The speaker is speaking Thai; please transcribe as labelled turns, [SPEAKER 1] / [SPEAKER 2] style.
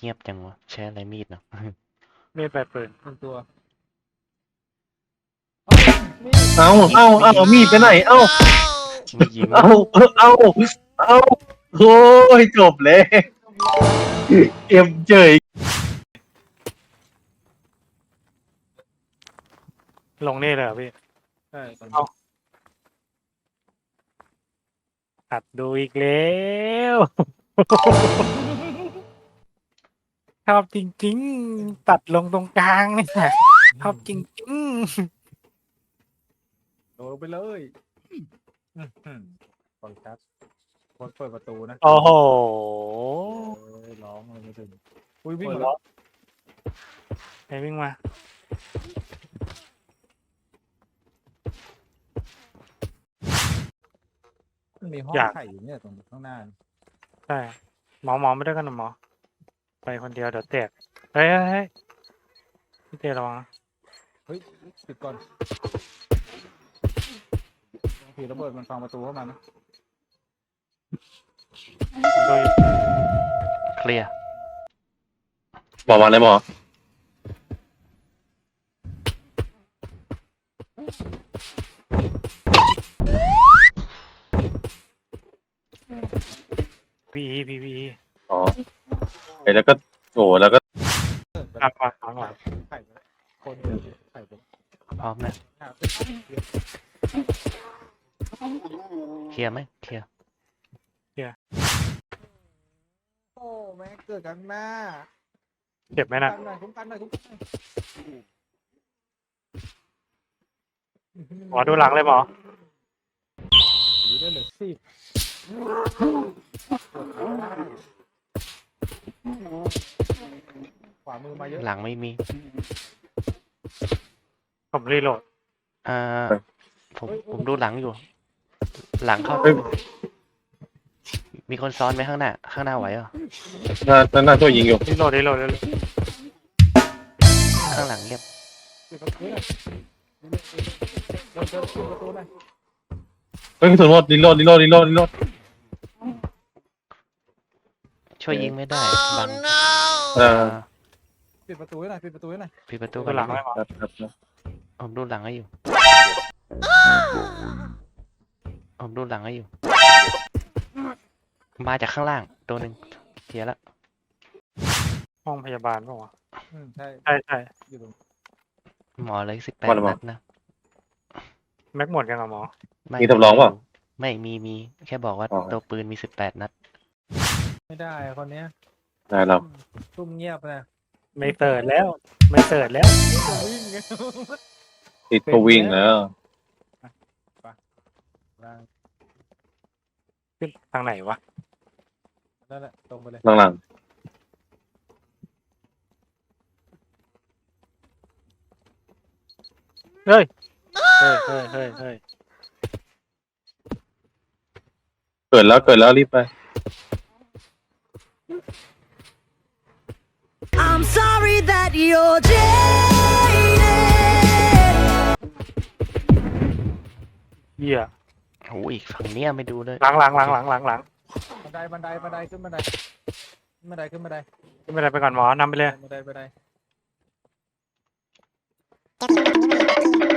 [SPEAKER 1] เงียบจังวะใช้อะไรมีดเนาะ
[SPEAKER 2] มีดปลายปืน
[SPEAKER 3] 1 ตัว
[SPEAKER 4] เอามีดไปไหนเอ้า
[SPEAKER 1] ไม่ยิง
[SPEAKER 4] เอาโอ้ยจบเลยเอ็มเจย
[SPEAKER 2] ลงนี่เลยเหรอพี่
[SPEAKER 3] ใช่ตอน
[SPEAKER 2] เอา อัดดูอีกแล้วชอบจริงๆ ตัดลงตรงกลางเนี่ยชอบจริง
[SPEAKER 3] โดนไปเลยปล่อยครับคนเปิดประตูนะ
[SPEAKER 2] ๆ โอ้โห
[SPEAKER 3] ร้องเลยไม่ถึงอุ้ยวิ่ง
[SPEAKER 2] หัว
[SPEAKER 3] มาแล้ว
[SPEAKER 2] เราะใครวิ่งมา
[SPEAKER 3] มันมีห้อง
[SPEAKER 2] อยาก
[SPEAKER 3] ไข่อยู่เนี่ยตรงข้างหน้า
[SPEAKER 2] ใช่หมอไม่ได้กันนะหมอ ไปคนเดียวเดี๋ยวแตกเฮ้ยพี่เตระวังนะ
[SPEAKER 3] เฮ้ยปิดก่อนผีระเบิดมันฟังประตูเข้ามานะ
[SPEAKER 2] ผมดูอยู่
[SPEAKER 1] เคลียร์
[SPEAKER 4] บอกมาเลยหมอ
[SPEAKER 2] พี
[SPEAKER 4] อ๋อแล้วก็โอ้แล้วก็
[SPEAKER 2] หลังหลัง
[SPEAKER 3] ไข่ไปแล้วคนเดียวไข่ไปแล้ว
[SPEAKER 1] พร้อมนะ
[SPEAKER 3] หาไป
[SPEAKER 1] เคลียร์ไหมเคลียร์
[SPEAKER 3] โอ้แม่งเกิดกันหน้า
[SPEAKER 2] เจ็บไหมนะ
[SPEAKER 3] คุ้มกันหน่อย
[SPEAKER 2] หมอดูหลังเลยหมอ
[SPEAKER 3] อยู่ได้เหลือ10ขวามือมาเยอะ
[SPEAKER 1] หลังไม่มี
[SPEAKER 2] ผมรีโหลด
[SPEAKER 1] อ่าผมดูหลังอยู่ หลังเข้ามีคนซ้อนไหมข้างหน้าไหวเหรอ
[SPEAKER 4] น่าช่วยยิงอยู่
[SPEAKER 2] รีโหลด
[SPEAKER 1] ข้างหลังเงียบ
[SPEAKER 3] ปิดประตูหน่อยเดินปิดประตูหน่อย
[SPEAKER 4] เฮ้ยกระสุนหมดรีโหลด
[SPEAKER 1] ช่วยยิงไม่ได้บัง
[SPEAKER 4] อ่า
[SPEAKER 3] ปิดประตูให้หน่อยปิดประตูให้หน่อย
[SPEAKER 1] ปิดประตู
[SPEAKER 2] ดู
[SPEAKER 1] ก่อน
[SPEAKER 2] หลังเลยหมอ
[SPEAKER 4] ครับ
[SPEAKER 1] ผมดูหลังให้อยู่ผมดูหลังให้อยู่ มาจากข้างล่างตัวหนึ่งเคลียร์แล้ว
[SPEAKER 2] ห้องพยาบาลป่าวะ
[SPEAKER 3] ใช่
[SPEAKER 2] ใช่
[SPEAKER 3] อยู่ตรง
[SPEAKER 1] หมอเลย18
[SPEAKER 4] ว่าแล้วหมอ
[SPEAKER 1] นัดนะ
[SPEAKER 2] แม็กหมดยังอ่ะหมอ
[SPEAKER 1] ไ
[SPEAKER 4] มีทดลองเปล่า
[SPEAKER 1] ไม่มีแค่บอกว่า
[SPEAKER 4] อ๋อ
[SPEAKER 1] ตัวปืนมี18 นัด
[SPEAKER 3] ไม่ได้คนเนี้ย
[SPEAKER 4] ได้แล้ว
[SPEAKER 3] ซุ่มเงียบนะ
[SPEAKER 2] ไม่เติร์ดแล้ว
[SPEAKER 3] จะวิ่งไง
[SPEAKER 4] ติดตัววิ่งแล้ว
[SPEAKER 2] ขึ้นทางไหนวะ
[SPEAKER 3] นั่นแหละตรงไปเลย
[SPEAKER 4] หลัง
[SPEAKER 2] เฮ้ย
[SPEAKER 4] เกิดแล้วรีบไป
[SPEAKER 5] I'm sorry that you're jaded.
[SPEAKER 2] เหี้ย
[SPEAKER 1] โอ้ยฝั่งเนี้ยไม่ดูเลย
[SPEAKER 2] หลัง
[SPEAKER 3] บันไดขึ้นบันได
[SPEAKER 2] ขึ้นบันไดไปก่อนหมอนำไปเลย
[SPEAKER 3] บันได